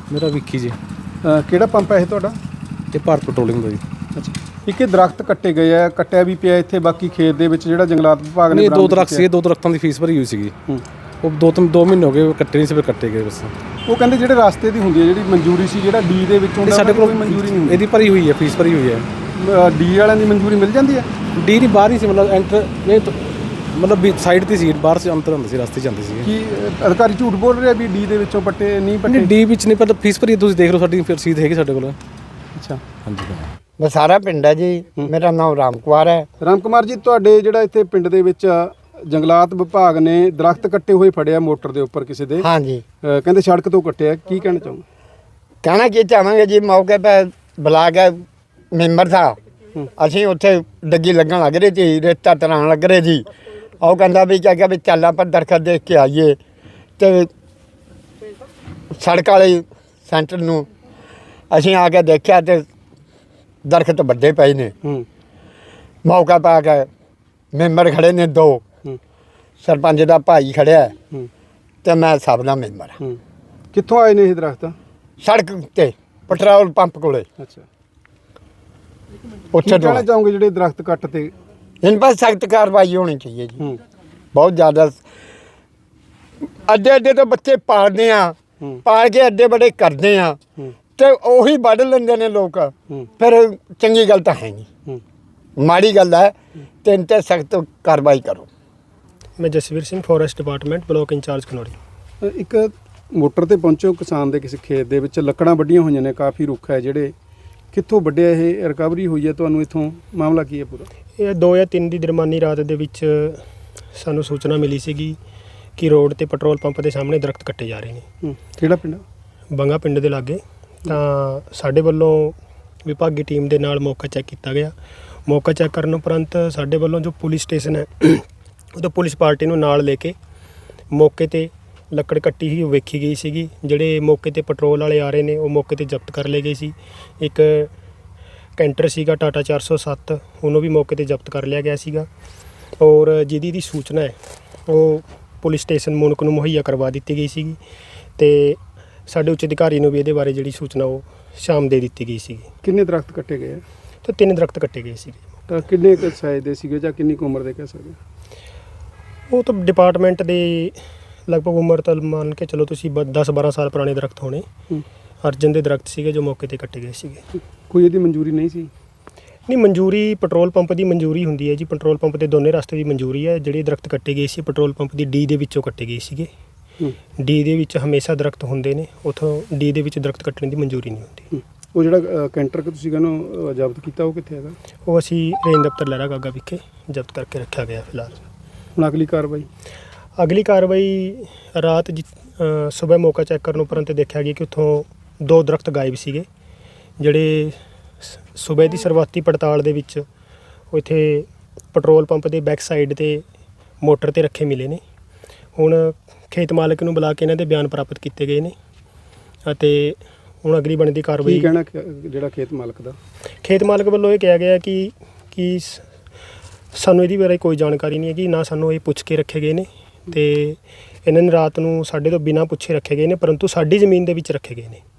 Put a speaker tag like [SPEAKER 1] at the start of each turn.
[SPEAKER 1] ਮੇਰਾ ਵਿੱਕੀ ਜੀ।
[SPEAKER 2] ਕਿਹੜਾ ਪੰਪ ਹੈ ਇਹ ਤੁਹਾਡਾ?
[SPEAKER 1] ਤੇ ਭਾਰਤ ਪੈਟਰੋਲਿੰਗ ਦਾ ਜੀ।
[SPEAKER 2] ਅੱਛਾ, ਇੱਕ ਦਰਖਤ ਕੱਟੇ ਗਏ ਆ, ਕੱਟਿਆ ਵੀ ਪਿਆ ਇੱਥੇ, ਬਾਕੀ ਖੇਤ ਦੇ ਵਿੱਚ ਜਿਹੜਾ ਜੰਗਲਾਤ ਵਿਭਾਗ ਨੇ
[SPEAKER 1] ਨਹੀਂ, 2 ਦਰਖਤ ਸੀ, 2 ਦਰਖਤਾਂ ਦੀ ਫੀਸ ਭਰੀ ਹੋਈ ਸੀਗੀ। ਉਹ 2 ਮਹੀਨੇ ਹੋ ਗਏ ਕੱਟੇ ਨਹੀਂ ਸੀ, ਫਿਰ ਕੱਟੇ ਗਏ ਬਸ।
[SPEAKER 2] ਉਹ ਕਹਿੰਦੇ ਜਿਹੜੇ ਰਸਤੇ ਦੀ ਹੁੰਦੀ ਹੈ ਜਿਹੜੀ ਮਨਜ਼ੂਰੀ ਸੀ, ਜਿਹੜਾ ਡੀ ਦੇ ਵਿੱਚ ਹੁੰਦਾ,
[SPEAKER 1] ਸਾਡੇ ਕੋਲ
[SPEAKER 2] ਮਨਜ਼ੂਰੀ ਨਹੀਂ ਹੁੰਦੀ।
[SPEAKER 1] ਇਹਦੀ ਭਰੀ ਹੋਈ ਹੈ, ਫੀਸ ਭਰੀ ਹੋਈ ਹੈ।
[SPEAKER 2] ਡੀ ਵਾਲਿਆਂ ਦੀ ਮਨਜ਼ੂਰੀ ਮਿਲ ਜਾਂਦੀ ਹੈ?
[SPEAKER 1] ਡੀ ਦੀ ਬਾਹਰ ਹੀ ਸੀ, ਮਤਲਬ ਐਂਟਰ ਨਹੀਂ, ਮਤਲਬ ਵੀ ਸਾਈਡ 'ਤੇ ਸੀ, ਬਾਹਰ ਸੇ ਅੰਦਰ ਹੁੰਦੇ ਸੀ, ਰਸਤੇ 'ਚ ਜਾਂਦੇ ਸੀ।
[SPEAKER 2] ਕੀ ਅਧਿਕਾਰੀ ਝੂਠ ਬੋਲ ਰਿਹਾ ਵੀ ਡੀ ਦੇ ਵਿੱਚੋਂ ਪੱਟੇ ਨਹੀਂ ਪੱਟੇ?
[SPEAKER 1] ਡੀ ਵਿੱਚ ਨਹੀਂ, ਪਰ ਫੀਸ ਭਰੀ ਤੁਸੀਂ ਦੇਖ ਲਓ, ਸਾਡੀ ਰਸੀਦ ਹੈਗੀ ਸਾਡੇ ਕੋਲ।
[SPEAKER 2] ਅੱਛਾ,
[SPEAKER 1] ਹਾਂਜੀ।
[SPEAKER 3] ਬਸਾਰਾ ਪਿੰਡ ਹੈ ਜੀ, ਮੇਰਾ ਨਾਮ ਰਾਮ ਕੁਮਾਰ ਹੈ।
[SPEAKER 2] ਰਾਮ ਕੁਮਾਰ ਜੀ, ਤੁਹਾਡੇ ਜਿਹੜਾ ਇੱਥੇ ਪਿੰਡ ਦੇ ਵਿੱਚ ਜੰਗਲਾਤ ਵਿਭਾਗ ਨੇ ਦਰਖਤ ਕੱਟੇ ਹੋਏ ਫੜਿਆ ਮੋਟਰ ਦੇ ਉੱਪਰ ਕਿਸੇ ਦੇ,
[SPEAKER 3] ਹਾਂਜੀ,
[SPEAKER 2] ਕਹਿੰਦੇ ਸੜਕ ਤੋਂ ਕੱਟਿਆ, ਕੀ ਕਹਿਣਾ ਚਾਹੋਗੇ?
[SPEAKER 3] ਕਹਿਣਾ ਕੀ ਚਾਹਾਂਗੇ ਜੀ, ਮੌਕੇ 'ਤੇ ਬੁਲਾ ਕੇ ਮੈਂਬਰ ਥਾ, ਅਸੀਂ ਉੱਥੇ ਡੱਗੀ ਲੱਗਣ ਲੱਗ ਰਹੀ ਸੀ, ਰੇਤਾ ਤਰਾਉਣ ਲੱਗ ਰਹੇ ਜੀ। ਉਹ ਕਹਿੰਦਾ ਵੀ ਕਿਹਾ ਵੀ ਚੱਲ ਆਪਾਂ ਦਰਖਤ ਦੇਖ ਕੇ ਆਈਏ, ਤੇ ਸੜਕ ਵਾਲੇ ਸੈਂਟਰ ਨੂੰ ਅਸੀਂ ਆ ਕੇ ਦੇਖਿਆ ਤੇ ਦਰਖਤ ਵੱਡੇ ਪਏ ਨੇ। ਮੌਕਾ ਪਾ ਕੇ ਮੈਂਬਰ ਖੜੇ ਨੇ 2, ਸਰਪੰਚ ਦਾ ਭਾਈ ਖੜਿਆ ਤੇ ਮੈਂ ਸਭ ਦਾ ਮੈਂਬਰ ਹਾਂ।
[SPEAKER 2] ਕਿੱਥੋਂ ਆਏ ਨੇ ਇਹ ਦਰਖਤ?
[SPEAKER 3] ਸੜਕ ਤੇ ਪੈਟਰੋਲ ਪੰਪ ਕੋਲੇ।
[SPEAKER 2] ਅੱਛਾ,
[SPEAKER 3] ਉੱਥੇ ਤੋਂ
[SPEAKER 2] ਕਹਿਣਾ ਚਾਹੋਗੇ ਜਿਹੜੇ ਦਰਖਤ ਕੱਟ ਤੇ?
[SPEAKER 3] इन पर सख्त कार्रवाई होनी चाहिए जी। बहुत ज़्यादा अड्डे अड्डे तो बच्चे पालते हैं, पाल के अड्डे बड़े करते हैं, तो ਉਹੀ ਵੱਢ ਲੈਂਦੇ ਨੇ ਲੋਕ। ਫਿਰ ਚੰਗੀ ਗੱਲ ਤਾਂ ਹੈ ਨਹੀਂ, ਮਾੜੀ ਗੱਲ ਹੈ। ਤੇ ਇਨ 'ਤੇ ਸਖਤ ਕਾਰਵਾਈ ਕਰੋ।
[SPEAKER 4] ਮੈਂ Jasvir Singh, forest department, block incharge Khanauri.
[SPEAKER 2] ਇੱਕ ਮੋਟਰ ਤੇ ਪਹੁੰਚੋ ਕਿਸਾਨ ਦੇ ਕਿਸੇ ਖੇਤ ਦੇ ਵਿੱਚ, ਲੱਕੜਾਂ ਵੱਡੀਆਂ ਹੋਈਆਂ ਨੇ, ਕਾਫੀ ਰੁੱਖ ਹੈ ਜਿਹੜੇ, ਕਿੱਥੋਂ ਵੱਢਿਆ ਇਹ, ਰਿਕਵਰੀ ਹੋਈ ਹੈ ਤੁਹਾਨੂੰ ਇੱਥੋਂ, ਮਾਮਲਾ ਕੀ ਹੈ ਪੂਰਾ?
[SPEAKER 4] ਇਹ 2 ਜਾਂ 3 ਦੀ ਦਰਮਿਆਨੀ ਰਾਤ ਦੇ ਵਿੱਚ ਸਾਨੂੰ ਸੂਚਨਾ ਮਿਲੀ ਸੀਗੀ ਕਿ ਰੋਡ ਤੇ ਪੈਟਰੋਲ ਪੰਪ ਦੇ ਸਾਹਮਣੇ ਦਰਖਤ ਕੱਟੇ ਜਾ ਰਹੇ ਨੇ।
[SPEAKER 2] ਕਿਹੜਾ ਪਿੰਡ?
[SPEAKER 4] ਬੰਗਾ ਪਿੰਡ ਦੇ ਲਾਗੇ। ਤਾਂ ਸਾਡੇ ਵੱਲੋਂ ਵਿਭਾਗੀ ਟੀਮ ਦੇ ਨਾਲ ਮੌਕਾ ਚੈੱਕ ਕੀਤਾ ਗਿਆ। ਮੌਕਾ ਚੈੱਕ ਕਰਨ ਉਪਰੰਤ ਸਾਡੇ ਵੱਲੋਂ ਜੋ ਪੁਲਿਸ ਸਟੇਸ਼ਨ ਹੈ ਉਹਦਾ ਪੁਲਿਸ ਪਾਰਟੀ ਨੂੰ ਨਾਲ ਲੈ ਕੇ ਮੌਕੇ 'ਤੇ ਲੱਕੜ ਕੱਟੀ ਹੀ ਵੇਖੀ ਗਈ ਸੀਗੀ। ਜਿਹੜੇ ਮੌਕੇ 'ਤੇ ਪੈਟਰੋਲ ਵਾਲੇ ਆ ਰਹੇ ਨੇ ਉਹ ਮੌਕੇ 'ਤੇ ਜ਼ਬਤ ਕਰ ਲਏ ਗਏ ਸੀ। ਇੱਕ ਕੈਂਟਰ ਸੀਗਾ ਟਾਟਾ 407, ਉਹਨੂੰ ਵੀ ਮੌਕੇ 'ਤੇ ਜ਼ਬਤ ਕਰ ਲਿਆ ਗਿਆ ਸੀਗਾ। ਔਰ ਜਿਹਦੀ ਸੂਚਨਾ ਹੈ ਉਹ ਪੁਲਿਸ ਸਟੇਸ਼ਨ ਮੂਨਕ ਨੂੰ ਮੁਹੱਈਆ ਕਰਵਾ ਦਿੱਤੀ ਗਈ ਸੀਗੀ, ਅਤੇ ਸਾਡੇ ਉੱਚ ਅਧਿਕਾਰੀ ਨੂੰ ਵੀ ਇਹਦੇ ਬਾਰੇ ਜਿਹੜੀ ਸੂਚਨਾ ਉਹ ਸ਼ਾਮ ਦੇ ਦਿੱਤੀ ਗਈ ਸੀਗੀ।
[SPEAKER 2] ਕਿੰਨੇ ਦਰਖਤ ਕੱਟੇ ਗਏ?
[SPEAKER 4] ਤੇ 3 ਦਰਖਤ ਕੱਟੇ ਗਏ ਸੀਗੇ।
[SPEAKER 2] ਤਾਂ ਕਿੰਨੇ ਕੁ ਸਾਈਜ਼ ਦੇ ਸੀਗੇ ਜਾਂ ਕਿੰਨੀ ਕੁ ਉਮਰ ਦੇ ਕਹਿ ਸਕਦੇ?
[SPEAKER 4] ਉਹ ਤਾਂ ਡਿਪਾਰਟਮੈਂਟ ਦੇ ਲਗਭਗ ਉਮਰ ਤਾਂ ਮੰਨ ਕੇ ਚਲੋ ਤੁਸੀਂ 10-12 ਸਾਲ ਪੁਰਾਣੇ ਦਰਖਤ ਹੋਣੇ। ਅਰਜਨ ਦੇ ਦਰਖਤ ਸੀਗੇ ਜੋ ਮੌਕੇ 'ਤੇ ਕੱਟੇ ਗਏ ਸੀਗੇ।
[SPEAKER 2] ਕੋਈ ਇਹਦੀ ਮਨਜ਼ੂਰੀ ਨਹੀਂ ਸੀ?
[SPEAKER 4] ਨਹੀਂ, ਮਨਜ਼ੂਰੀ ਪੈਟਰੋਲ ਪੰਪ ਦੀ ਮਨਜ਼ੂਰੀ ਹੁੰਦੀ ਹੈ ਜੀ। ਪੈਟਰੋਲ ਪੰਪ ਦੇ ਦੋਨੇ ਰਸਤੇ ਦੀ ਮਨਜ਼ੂਰੀ ਹੈ। ਜਿਹੜੇ ਦਰਖਤ ਕੱਟੇ ਗਏ ਸੀ ਪੈਟਰੋਲ ਪੰਪ ਦੀ ਡੀ ਦੇ ਵਿੱਚੋਂ ਕੱਟੇ ਗਏ ਸੀਗੇ। ਡੀ ਦੇ ਵਿੱਚ ਹਮੇਸ਼ਾ ਦਰਖਤ ਹੁੰਦੇ ਨੇ, ਉੱਥੋਂ ਡੀ ਦੇ ਵਿੱਚ ਦਰਖਤ ਕੱਟਣ ਦੀ ਮਨਜ਼ੂਰੀ ਨਹੀਂ ਹੁੰਦੀ।
[SPEAKER 2] ਉਹ ਜਿਹੜਾ ਕੈਂਟਰ ਕਿ ਤੁਸੀਂ ਕਹਿੰਦੇ ਜ਼ਬਤ ਕੀਤਾ, ਉਹ ਕਿੱਥੇ ਹੈਗਾ?
[SPEAKER 4] ਉਹ ਅਸੀਂ ਰੇਂਜ ਦਫ਼ਤਰ ਲਹਿਰਾ ਗਾਗਾ ਵਿਖੇ ਜ਼ਬਤ ਕਰਕੇ ਰੱਖਿਆ ਗਿਆ ਫਿਲਹਾਲ।
[SPEAKER 2] ਹੁਣ ਅਗਲੀ ਕਾਰਵਾਈ?
[SPEAKER 4] ਅਗਲੀ ਕਾਰਵਾਈ ਰਾਤ ਸਵੇਰ ਮੌਕਾ ਚੈੱਕ ਕਰਨ ਉਪਰੰਤ ਦੇਖਿਆ ਗਿਆ ਕਿ ਉੱਥੋਂ 2 ਦਰਖਤ ਗਾਇਬ ਸੀਗੇ, ਜਿਹੜੇ ਸਵੇਰ ਦੀ ਸ਼ੁਰੂਆਤੀ ਪੜਤਾਲ ਦੇ ਵਿੱਚ ਉਹ ਇੱਥੇ ਪੈਟਰੋਲ ਪੰਪ ਦੇ ਬੈਕ ਸਾਈਡ 'ਤੇ ਮੋਟਰ 'ਤੇ ਰੱਖੇ ਮਿਲੇ ਨੇ। ਹੁਣ ਖੇਤ ਮਾਲਕ ਨੂੰ ਬੁਲਾ ਕੇ ਇਹਨਾਂ ਦੇ ਬਿਆਨ ਪ੍ਰਾਪਤ ਕੀਤੇ ਗਏ ਨੇ ਅਤੇ ਹੁਣ ਅਗਲੀ ਬਣਦੀ ਕਾਰਵਾਈ।
[SPEAKER 2] ਕੀ ਕਹਿਣਾ ਜਿਹੜਾ ਖੇਤ ਮਾਲਕ ਦਾ? ਖੇਤ
[SPEAKER 4] ਮਾਲਕ ਵੱਲੋਂ ਇਹ ਕਿਹਾ ਗਿਆ ਕਿ ਸਾਨੂੰ ਇਹਦੀ ਬਾਰੇ ਕੋਈ ਜਾਣਕਾਰੀ ਨਹੀਂ ਹੈਗੀ, ਨਾ ਸਾਨੂੰ ਇਹ ਪੁੱਛ ਕੇ ਰੱਖੇ ਗਏ ਨੇ, ਅਤੇ ਇਹਨਾਂ ਨੇ ਰਾਤ ਨੂੰ ਸਾਡੇ ਤੋਂ ਬਿਨਾਂ ਪੁੱਛੇ ਰੱਖੇ ਗਏ ਨੇ, ਪਰੰਤੂ ਸਾਡੀ ਜ਼ਮੀਨ ਦੇ ਵਿੱਚ ਰੱਖੇ ਗਏ ਨੇ।